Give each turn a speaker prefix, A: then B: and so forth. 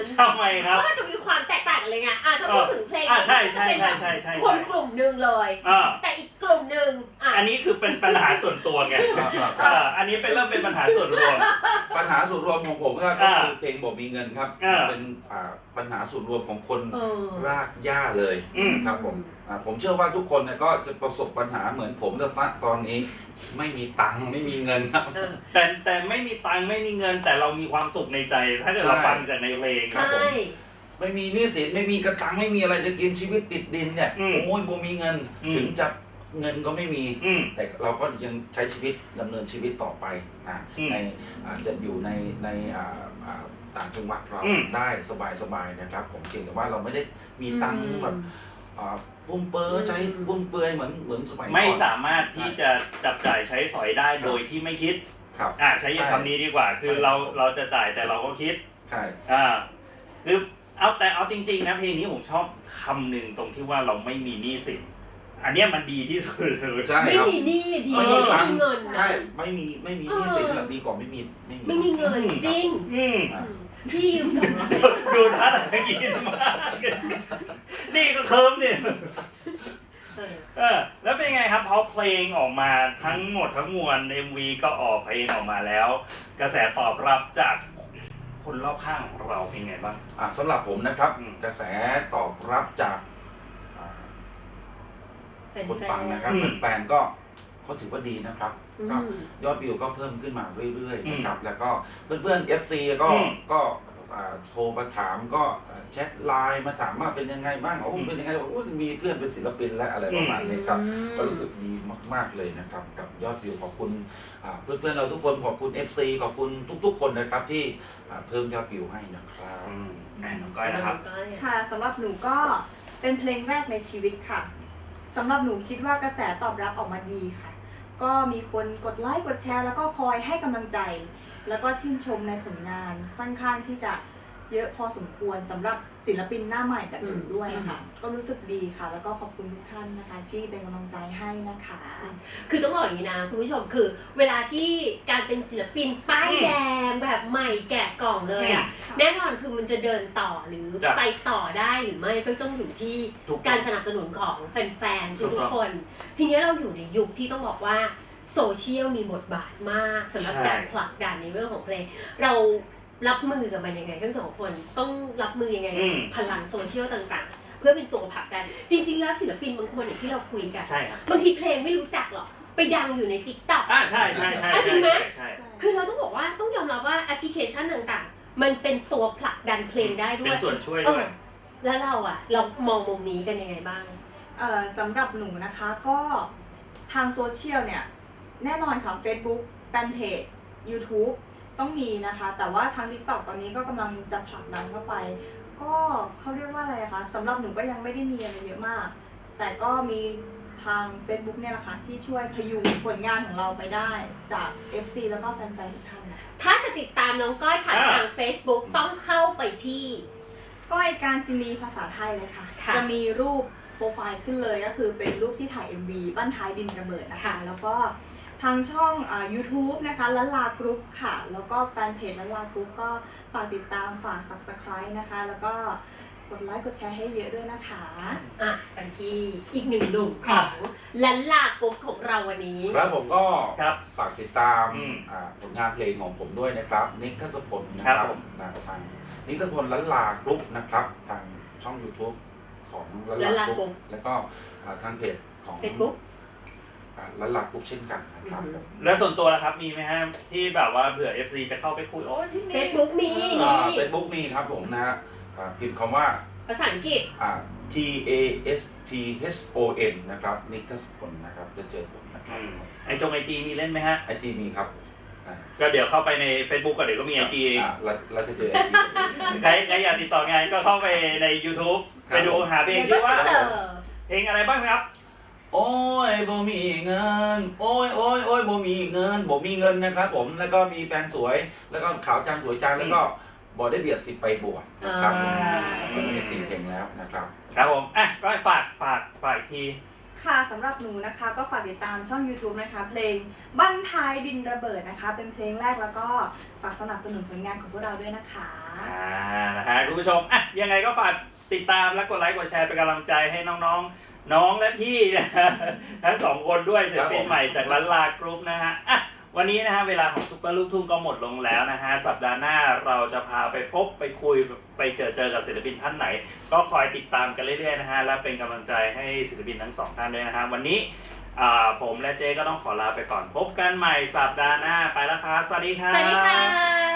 A: ทำไมครับ
B: เพราะมันจะมีความแตกต่างกันเลยไงถ้าพูดถึงเพลงนี้
A: จะเป็นแบบ
B: คนกลุ่มหนึ่งเลยแต่อีกกลุ่มหนึ่ง
A: อันนี้คือเป็นปัญหาส่วนตัวไงอันนี้เริ่มเป็นปัญหาส่วนรวม
C: ปัญหาส่วนรวมของผมก็คือเพลงบอกมีเงินครับเป็นปัญหาส่วนรวมของคนรากหญ้าเลยครับผมเชื่อว่าทุกคนเนี่ยก็จะประสบปัญหาเหมือนผมตอนนี้ไม่มีตังค์ไม่มีเงินครับ
A: แต่ไม่มีตังค์ไม่มีเงินแต่เรามีความสุขในใจถ้าเกิดเราฟังจากในเพลง
C: ครับผมไม่มีหนี้สินไม่มีกระตังไม่มีอะไรจะกินชีวิตติดดินเนี่ยโอ้ยบ่มีเงินถึงจะเงินก็ไม่มีแต่เราก็ยังใช้ชีวิตดำเนินชีวิตต่อไปในจะอยู่ในต่างจังหวัดเราได้สบายนะครับผมเพียงแต่ว่าเราไม่ได้มีตังค์แบบฟุ่มเฟือยใช้ฟุ่มเฟือยเหมือนสมัยก่อน
A: ไม่สามารถที่จะจับจ่ายใช้สอยได้โดยที่ไม่คิดใช้คำนี้ดีกว่าคือเราจะจ่ายแต่เราก็คิด
C: ใช่
A: คือเอาจริงๆนะเพลงนี้ผมชอบคำหนึ่งตรงที่ว่าเราไม่มีหนี้สินอันนี้มันดีที่สุดเลย
B: ไม่มีหนี้ดีไม่มีเงิน
C: ใช่ไม่มีหนี้สินดีกว่าไม่มี
B: เงินจริงพี่ยืม200
A: ดูท่าทางกินมากนี่ก็เคิร์มเนี่ยแล้วเป็นไงครับพอเพลงออกมาทั้งหมดทั้งมวล MV ก็ออกเพลงออกมาแล้วกระแสตอบรับจากคนรอบข้างของเราเป็นไงบ้าง
C: สำหรับผมนะครับกระแสตอบรับจากคนฟังนะครับแฟนๆก็ถือว่าดีนะครับก็ยอดวิวก็เพิ่มขึ้นมาเรื่อยๆนะครับแล้วก็เพื่อนๆ FC ก็โทรมาถามก็แชทไลน์มาถามว่าเป็นยังไงบ้างเป็นยังไงมีเพื่อนเป็นศิลปินและอะไรประมาณนี้ครับก็รู้สึกดีมากๆเลยนะครับกับยอดวิวขอบคุณเพื่อนๆเราทุกคนขอบคุณ FC ขอบคุณทุกๆคนนะครับที่เพิ่มยอดวิวให้นะครับ
A: น้องก้อยนะครับ
D: ค่ะสำหรับหนูก็เป็นเพลงแรกในชีวิตค่ะสำหรับหนูคิดว่ากระแสตอบรับออกมาดีค่ะก็มีคนกดไลค์กดแชร์แล้วก็คอยให้กำลังใจแล้วก็ชื่นชมในผลงานค่อนข้างที่จะเยอะพอสมควรสำหรับศิลปินหน้าใหม่แบบหนูด้วยค่ะก็รู้สึกดีค่ะแล้วก็ขอบคุณทุกท่านนะคะที่เป็นกำลังใจให้นะคะ
B: คือต้องบอกอย่างนี้นะคุณผู้ชมคือเวลาที่การเป็นศิลปินป้ายแดงแบบใหม่แกะกล่องเลยอ่ะแน่นอนคือมันจะเดินต่อหรือไปต่อได้หรือไม่ก็ต้องอยู่ที่การสนับสนุนของแฟนๆทุกคนทีนี้เราอยู่ในยุคที่ต้องบอกว่าโซเชียลมีบทบาทมากสำหรับการผลักดันในเรื่องของเพลงเรารับมือกับมันยังไงทั้งสองคนต้องรับมือยังไงพลังโซเชียลต่างๆเพื่อเป็นตัวผลักดันจริงๆแล้วศิลปินบางคนอย่างที่เราคุยกันบางทีเพลงไม่รู้จักหรอกไปดังอยู่ใน TikTok
A: ใช่
B: จริงไหมคือเราต้องบอกว่าต้องยอมรับว่าแอปพลิเคชันต่างๆมันเป็นตัวผลักดันเพลงได้ด้วย
A: เป็นส่วนช่วยด้วย
B: แล้วเรามองมุมนี้กันยังไงบ้าง
D: สำหรับหนูนะคะก็ทางโซเชียลเนี่ยแน่นอนค่ะ Facebook แฟนเพจ YouTube ต้องมีนะคะแต่ว่าทาง TikTok ตอนนี้ก็กำลังจะผลักดันเข้าไปก็เขาเรียกว่าอะไรคะสำหรับหนูก็ยังไม่ได้มีอะไรเยอะมากแต่ก็มีทาง Facebook เนี่ยแหละค่ะที่ช่วยพยุงผลงานของเราไปได้จาก FC แล้วก็แฟนๆทุกท่าน
B: ถ้าจะติดตามน้องก้อยผ่านทาง Facebook ต้องเข้าไปที่
D: ก้อยการศินีภาษาไทยเลยค่ะจะมีรูปโปรไฟล์ขึ้นเลยก็คือเป็นรูปที่ถ่าย MV บ้านท้ายดินระเบิดนะคะแล้วก็ทางช่องYouTube นะคะละลากรุ๊ปค่ะแล้วก็แฟนเพจละลากรุ๊ปก็ฝากติดตามฝาก Subscribe นะคะแล้วก็กดไลค์กดแชร์ให้เยอะด้วยนะคะ
B: กันที่อีกหนึ่งหนุ่มของละลากรุ๊ปของเราวันนี้
C: แล้วผมก็ฝากติดตามผลงานเพลงของผมด้วยนะครับนิกทัศพลนะครับทางนิกทัศพลละลากรุ๊ปนะครับทางช่อง YouTube ของละลากรุ๊ปแล้วก็ทางเพจของ
B: Facebook
C: ละลากรุ๊ปเช่นกันนะครับ
A: แล้วส่วนตัวนะครับมีไหมฮะที่แบบว่าเผื่อ FC จะเข้าไปคุย
B: Facebook มี
C: Facebook มีครับผมนะพิมพ์คำว่า
B: ภาษาอังกฤษ
C: TASTHON นะครับนิกทัศพลนะครับจะเจอผมนะครับ
A: IG มีเล่นไหมฮะ
C: IG มีครับ
A: ก็เดี๋ยวเข้าไปใน Facebook ก็เดี๋ยวก็มี IG
C: เราจะเจอ IG
A: ใครอยากติดต่องานก็เข้าไปใน YouTube ไปดูหาเพลงชื่อว่าเพลงอะไรบ้างครับ
C: โอ้ยบ่มีเงินโอ้ยบ่มีเงินนะครับผมแล้วก็มีแฟนสวยแล้วก็ขาวจังสวยจังแล้วก็บ่ได้เบียดสิไปบวชนะครับมี4เพลงแล้วนะครับ
A: ครับผมก็ฝากอีกที
D: ค่ะสำหรับหนูนะคะก็ฝากติดตามช่อง YouTube นะคะเพลงบั้นท้ายดินระเบิดนะคะเป็นเพลงแรกแล้วก็ฝากสนับสนุนผลงานของพวกเราด้วยนะคะ
A: นะฮะคุณผู้ชมอ่ะยังไงก็ฝากติดตามและกดไลค์กดแชร์เป็นกำลังใจให้น้องๆน้องและพี่นะฮะทั้งสองคนด้วยศิลปินใหม่จากล้านลากรุ๊ปนะฮะอ่ะวันนี้นะฮะเวลาของซุปเปอร์ลูกทุ่งก็หมดลงแล้วนะฮะสัปดาห์หน้าเราจะพาไปพบไปคุยไปเจอกับศิลปินท่านไหนก็คอยติดตามกันเรื่อยๆนะฮะและเป็นกำลังใจให้ศิลปินทั้งสองท่านด้วยนะฮะวันนี้ผมและเจ๊ก็ต้องขอลาไปก่อนพบกันใหม่สัปดาห์หน้าไปแล้วครับสวัสดีครับ
B: สวัสดีค่ะ